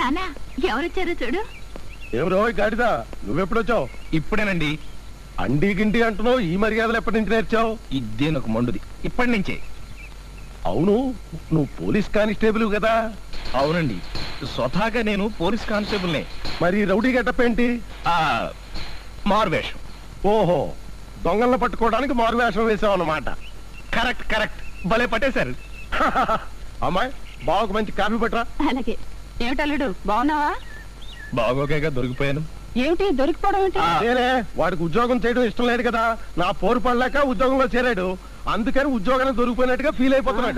నానా ఎవరొచ్చారో చూడు. ఎవరో గాడిదా, నువ్వెప్పుడొచ్చావు? ఇప్పుడేనండి. అండి గిండి అంటున్నావు, ఈ మర్యాదలు ఎప్పటి నుంచి నేర్చావు? ఇదే నాకు మండుది, ఇప్పటి నుంచే. అవును, నువ్వు పోలీస్ కానిస్టేబుల్ కదా? అవునండి, స్వతహాగా నేను పోలీస్ కానిస్టేబుల్నే. మరి రౌడీ గెటప్ ఏంటి? మారువేషం. ఓహో, దొంగలను పట్టుకోవడానికి మారువేషం వేసావు అన్నమాట. కరెక్ట్ కరెక్ట్, భలే పట్టేశారు. అమ్మాయి, బావకు మంచి కాఫీ పట్టరా. అలాగే. ఏమిటల్లుడు, బాగున్నావా? బాగోకేగా దొరికిపోయాను. ఏమిటి దొరికిపోవడం ఏంటి? నేనే వాడికి ఉద్యోగం చేయడం ఇష్టం లేదు కదా, నా పోరు పడలేక ఉద్యోగంలో చేరాడు, అందుకని ఉద్యోగాన్ని దొరికిపోయినట్టుగా ఫీల్ అయిపోతున్నాడు.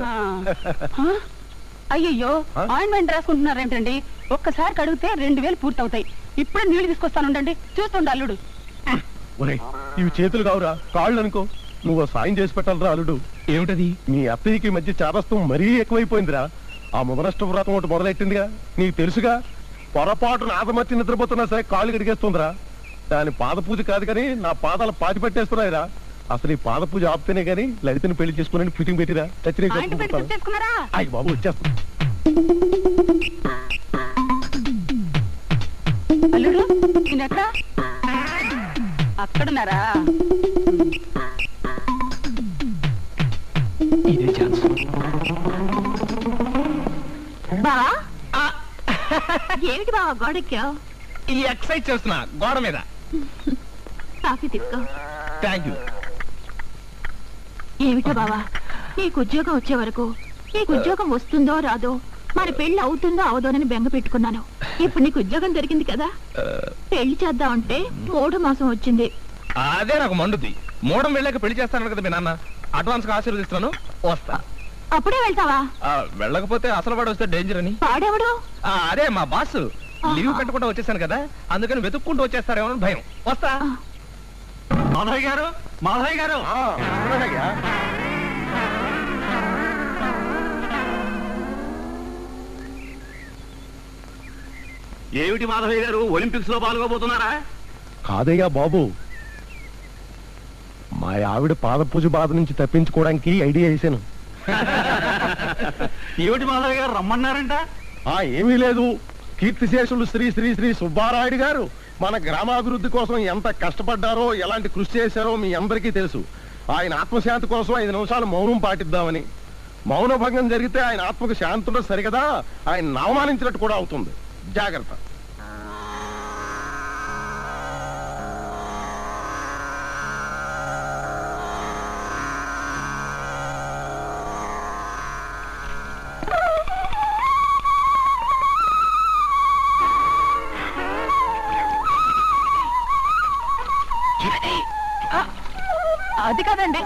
అయ్యో, ఆయింట్మెంట్ రాసుకుంటున్నారేంటండి? ఒక్కసారి కడిగితే 2000 పూర్తవుతాయి. ఇప్పుడే నీళ్లు తీసుకొస్తానుండండి, చూస్తుండ అల్లుడు. ఇవి చేతులు కావురా, కాళ్ళు అనుకో. నువ్వు సాయం చేసి పెట్టాలరా అల్లుడు. ఏమిటది? మీ అత్తయ్యకి మధ్య చాదస్తం మరీ ఎక్కువైపోయిందిరా. ఆ మొదలష్ట వ్రతం ఒకటి మొదలెట్టిందిగా, నీకు తెలుసుగా. పొరపాటు నాదమర్చి నిద్రపోతున్నా సరే కాళ్ళు కడిగేస్తుందిరా. దాని పాద పూజ కాదు కానీ నా పాదాలు పాతి పెట్టేస్తున్నాయిరా. అసలు ఈ పాద పూజ ఆపితేనే గానీ లలితని పెళ్లి చేసుకుని ఫిట్టింగ్ పెట్టిరా. అయ్యి బాబు వచ్చేస్తా. అల్లుడు నేనెక్కడ? అక్కడున్నారా? ఇదే ఛాన్స్. బా ఏమిటి బావా గోడెక్కావు? ఈ ఎక్సర్సైజ్ చేస్తున్నా గోడ మీద. కాఫీ తీసుకో. Thank you. ఏమిటో బావా, నీకు ఉద్యోగం వచ్చే వరకు నీకు ఉద్యోగం వస్తుందో రాదో, మరి పెళ్లి అవుతుందో అవదోనని బెంగ పెట్టుకున్నాను. ఇప్పుడు నీకు ఉద్యోగం దొరికింది కదా, పెళ్లి చేద్దామంటే 3వ మాసం వచ్చింది. అదే నాకు మండుద్ది. మూడం వెళ్ళాక పెళ్లి చేస్తాను కదా మీ నాన్న. అడ్వాన్స్ గా ఆశీర్వదిస్తున్నాను, వస్తా. అప్పుడే వెళ్తావా? వెళ్ళకపోతే అసలు వాడు వస్తే డేంజర్ అని. వాడెవడు? అదే మా బాస్. లీవ్ పెట్టకుండా వచ్చేసాను కదా, అందుకని వెతుక్కుంటూ వచ్చేస్తారేమో అని భయం. వస్తా. మాధవయ్య గారు, మాధవయ్య గారు. ఏమిటి మాధవయ్య గారు, ఒలింపిక్స్ లో పాల్గొబోతున్నారా? కాదయ్యా బాబు, మా ఆవిడ పాద పూజ బాధ నుంచి తప్పించుకోవడానికి ఐడియా వేసాను. ఏమిటి మాధవయ్య గారు రమ్మన్నారంట? ఏమీ లేదు, కీర్తిశేషులు శ్రీ శ్రీ శ్రీ సుబ్బారాయుడు గారు మన గ్రామాభివృద్ధి కోసం ఎంత కష్టపడ్డారో, ఎలాంటి కృషి చేశారో మీ అందరికీ తెలుసు. ఆయన ఆత్మశాంతి కోసం 5 నిమిషాలు మౌనం పాటిద్దామని. మౌన భంగం జరిగితే ఆయన ఆత్మకు శాంతి ఉండదు సరికదా, ఆయన అవమానించినట్టు కూడా అవుతుంది. జాగ్రత్త. అది కాదండి.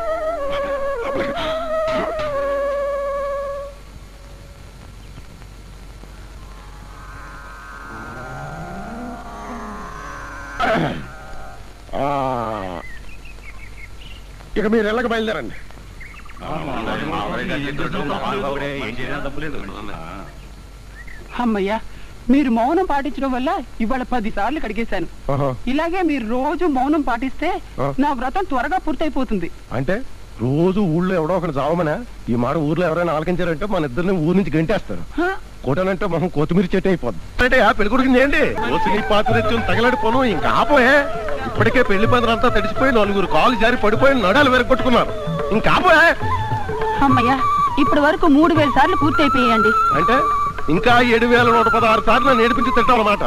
ఇక మీరు ఇళ్ళకి బయలుదేరండి. అమ్మయ్యా, మీరు మౌనం పాటించడం వల్ల ఇవాళ 10 సార్లు కడిగేశాను. ఇలాగే మీరు రోజు మౌనం పాటిస్తే నా వ్రతం త్వరగా పూర్తయిపోతుంది. అంటే రోజు ఊళ్ళో ఎవడో ఒకటి చావమనా? ఈ మాట ఊర్లో ఎవరైనా ఆలకించారంటే మన ఇద్దరిని ఊరు నుంచి గంటేస్తారు. కోటనంటే మొహం కొత్తిమీర చెట్టు అయిపోద్ది. అంటే పెళ్లి కొడుకు చేయండి, పాత్ర తగలడిపోను. ఇంకా ఆపోయే, ఇప్పటికే పెళ్లి పందిరంతా తడిసిపోయి 4 కాలు జారి పడిపోయి నడాలు వెరగొట్టుకున్నారు. ఇంకా ఆపోయే. అమ్మయ్యా, ఇప్పటి వరకు 3000 సార్లు పూర్తి అయిపోయాయండి. అంటే ఇంకా 7116 సార్లు నేర్పించి తింటామన్నమాట.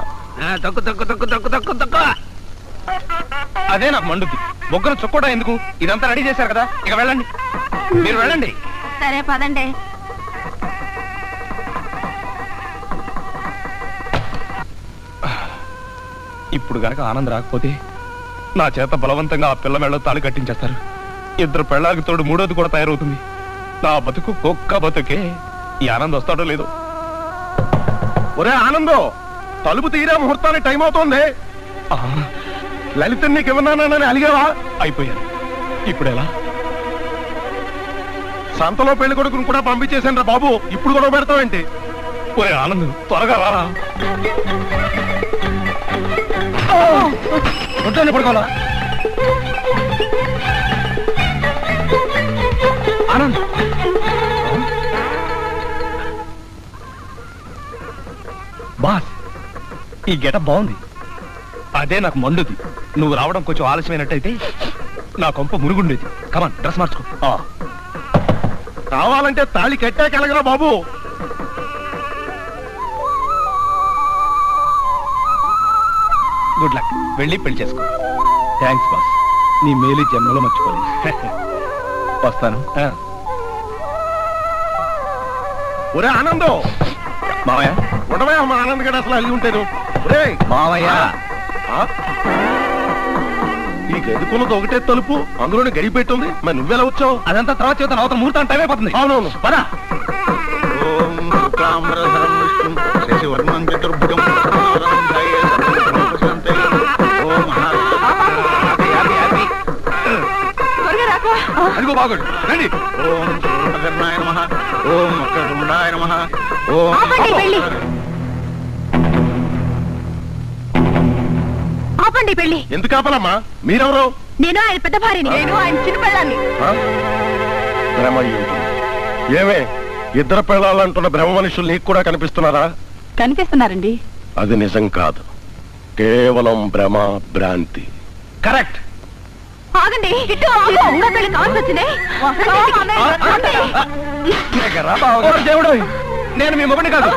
అదే నాకు మండుద్ది. బొగ్గను చుక్కోడా ఎందుకు? ఇదంతా రెడీ చేశారు కదా, ఇక వెళ్ళండి. మీరు వెళ్ళండి. సరే పదండి. ఇప్పుడు గనక ఆనంద్ రాకపోతే నా చేత బలవంతంగా ఆ పిల్ల మెళ్ళ తాళి కట్టించేస్తారు. 2 పెళ్ళాకి తోడు 3వది కూడా తయారవుతుంది. నా బతుకు కుక్క బతుకే. ఈ ఆనంద్ వస్తాడో లేదో. ఒరే ఆనందో, తలుపు తీరా, ముహూర్తానికి టైం అవుతోంది. లలిత నీకు ఇవ్వనానని అలిగావా? అయిపోయాను. ఇప్పుడు ఎలా? సంతలో పెళ్లి కొడుకుని కూడా పంపించేశాను రా బాబు. ఇప్పుడు కూడా పెడతావేంటి? ఒరే ఆనంద్, త్వరగా రారా. పడుకోవాలా? బా ఈ గెటప్ బాగుంది. అదే నాకు మండుది. నువ్వు రావడం కొంచెం ఆలస్యమైనట్టయితే నా కొంప మురుగుండేది. కమాన్, డ్రెస్ మార్చుకో. కావాలంటే తాళి కట్టాకెలగరా బాబు. Good luck. వెళ్ళి పెళ్లి చేసుకో. Thanks boss. నీ మేలు జన్మలో మర్చిపోలేదు. వస్తాను. ఒరే ఆనందం, మావయ్య ఉండవా మా ఆనంద్ గడ అసలు అల్లి ఉంటాను. మావయ్య, నీకు ఎదుకున్నది ఒకటే తలుపు, అందులోనే గడి పెట్టుంది. మరి నువ్వెలా వచ్చావు? అదంతా తర్వాత చేద్దాం. అవతల ముహూర్తం టైం అయిపోతుంది. అవునవును, పద. అదిగో బాగుండు. రండి. ఆపండి పెళ్లి. ఎందుకు ఆపలమ్మా? మీరెవరు? నేను ఆయన పెద్ద భార్యని. నేను ఆయన చిన్న పిల్లాన్ని. ఏమే, ఇద్దరు పిల్లలంటున్న బ్రహ్మ మనుషులు నీకు కూడా కనిపిస్తున్నారా? కనిపిస్తున్నారండి. అది నిజం కాదు, కేవలం భ్రమ, భ్రాంతి. కరెక్ట్. ఆగండి. పెళ్లి కావాల్సి వచ్చింది. దేవుడు, నేను మీ మొగుడిని కాదు.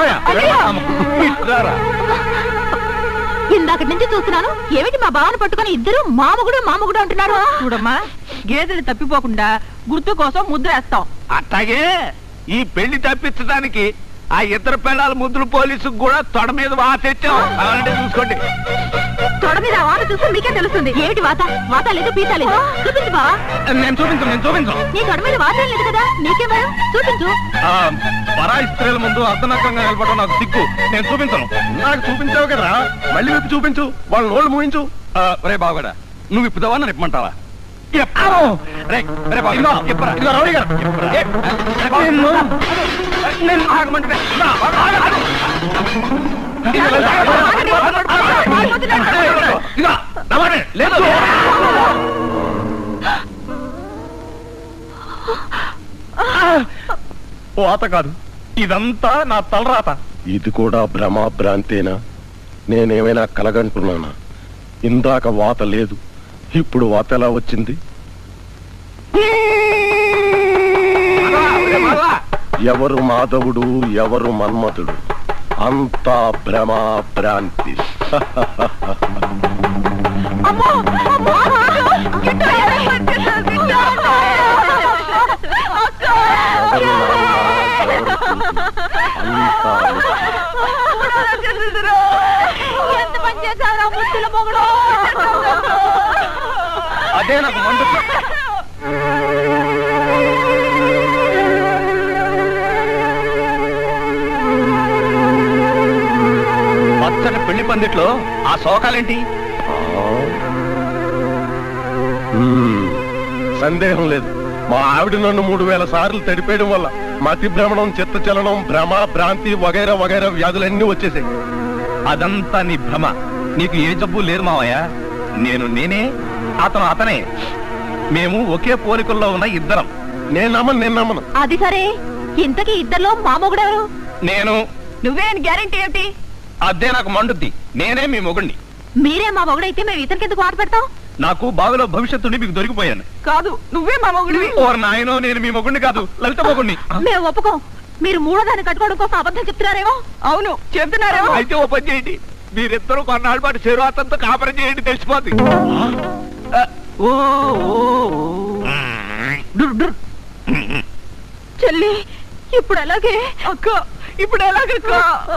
ఇందాకటి నుంచి చూస్తున్నాను. ఏమిటి మా బావను పట్టుకుని ఇద్దరు మామగుడు అంటున్నారు. చూడమ్మా, గేదెలు తప్పిపోకుండా గుర్తు కోసం ముద్ర వేస్తాం. అట్లాగే ఈ పెళ్లి తప్పించడానికి ఆ ఇద్దరు పిల్లల ముద్దులు పోలీసుకు కూడా తొడ మీద వాతెచ్చాం. అలాంటి చూసుకోండి. తొడ మీద వాత చూస్తే మీకే తెలుస్తుంది. ఏమిటి వాత లేదు, పీత లేదు. చూపించు బావా. నేను చూపించను. నీ తొడ మీద వాత లేదు కదా, నీకే భయం. చూపించు. పరాయి స్త్రీల ముందు అర్ధనగ్నంగా నిలబడడం నాకు సిగ్గు. నేను చూపించను. నాకు చూపించావు కదా, మళ్ళీ విప్పి చూపించు. వాళ్ళ నోళ్ళు మూయించు. రే బాగుడా, నువ్వు ఇప్పుదావా నన్ను ఇప్పమంటావా? వాత కాదు, ఇదంతా నా తలరాత. ఇది కూడా భ్రమ, భ్రాంతేనా? నేనేమైనా కలగంటున్నానా? ఇందాక వాత లేదు, ఇప్పుడు వాత ఎలా వచ్చింది? ఎవరు మాధవుడు, ఎవరు మన్మథుడు? అంతా భ్రమ, భ్రాంతి. అదే నాకు మండు. పచ్చని పెళ్లి పందిట్లో ఆ శోకాలేంటి? సందేహం లేదు, మా ఆవిడ నన్ను 3000 సార్లు తడిపేయడం వల్ల మతి భ్రమణం, చిత్తచలనం, భ్రమ, భ్రాంతి వగైరా వగైరా వ్యాధులన్నీ వచ్చేసాయి. అదంతా నీ భ్రమ. నీకు ఏ జబ్బు లేదు మావయ్య. నేనే, అతను అతనే. మేము ఒకే పోలికల్లో ఉన్న ఇద్దరం. నేను నమ్మను. అది సరే, ఇంతకీ ఇద్దరిలో మామగుడెవరు? నేను. నువ్వే గ్యారెంటీ ఏమిటి? అదే నాకు మండుద్ది. నేనే మీ మొగుడిని. మీరే మా మొగుడైతే మేము ఇతనికి ఆట పెడతాం. నాకు బావిలో భవిష్యత్తుని మీకు దొరికిపోయాను. కాదు, నువ్వే మా మొగుడివి. ఓర్ నాయనో, నేను మీ మొగుడిని కాదు, లలిత మొగుడిని. మేము ఒప్పుకోం. మీరు మూడో దాన్ని కట్టుకోవడం కోసం అబద్ధం చెప్తున్నారేమో. అవును, చెప్తున్నారేమో. అయితే ఓ పని చేయండి, మీరిద్దరూ కొన్నాళ్ళ పాటు శరీరాతంతో కాపరం చేయండి, తెలిసిపోద్ది. చెల్లి, ఇప్పుడు అలాగే అక్క, ఇప్పుడు ఎలాగక్క?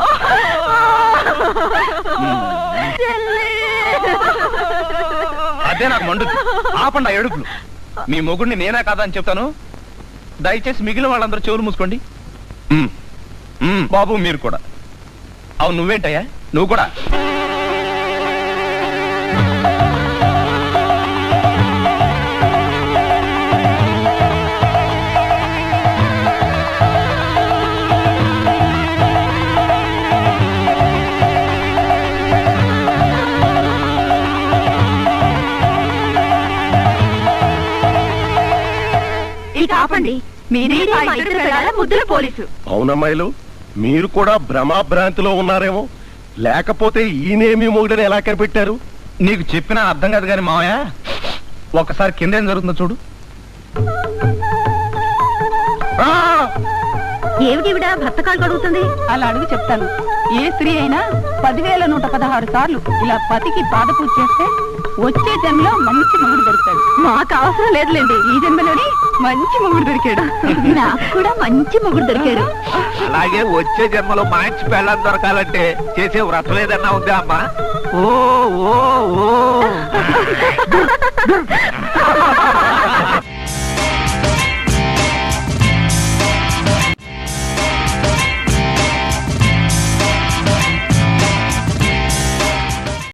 అదే నాకు మండుద్ది. ఆపండి ఆ ఏడుపులు. మీ మొగుడిని నేనే కాదా అని చెప్తాను. దయచేసి మిగిలిన వాళ్ళందరూ చెవులు మూసుకోండి. బాబు మీరు కూడా. అవును, నువ్వేంటయ్యా? నువ్వు కూడా. ఆపండి. మీరే మా ఇద్దరు పిల్లల ముద్దుల పోలీసు. అవునమ్మాయిలు, మీరు కూడా భ్రమ, భ్రాంతిలో ఉన్నారేమో. లేకపోతే ఈయనేమి మొగుడని ఎలా కనిపెట్టారు? నీకు చెప్పినా అర్థం కాదు కానీ మావయ్య, ఒకసారి కింద ఏం జరుగుతుందో చూడు. ఏమిటివిడా భర్త కాలు కడుగుతుంది? అలా అడుగు చెప్తాను. ఏ స్త్రీ అయినా 10,116 సార్లు ఇలా పతికి పాదపూజ చేస్తే వచ్చే జన్మలో మంచి మొగుడు దొరుకుతాడు. మాకు అవసరం లేదులేండి, ఈ జన్మలోని మంచి మొగుడు దొరికాడు. నాకు కూడా మంచి మొగుడు దొరికాడు. అలాగే వచ్చే జన్మలో మంచి పెళ్ళం దొరకాలంటే చేసే వ్రతం ఏదన్నా ఉందా అమ్మా? ఓ ఓ ఓ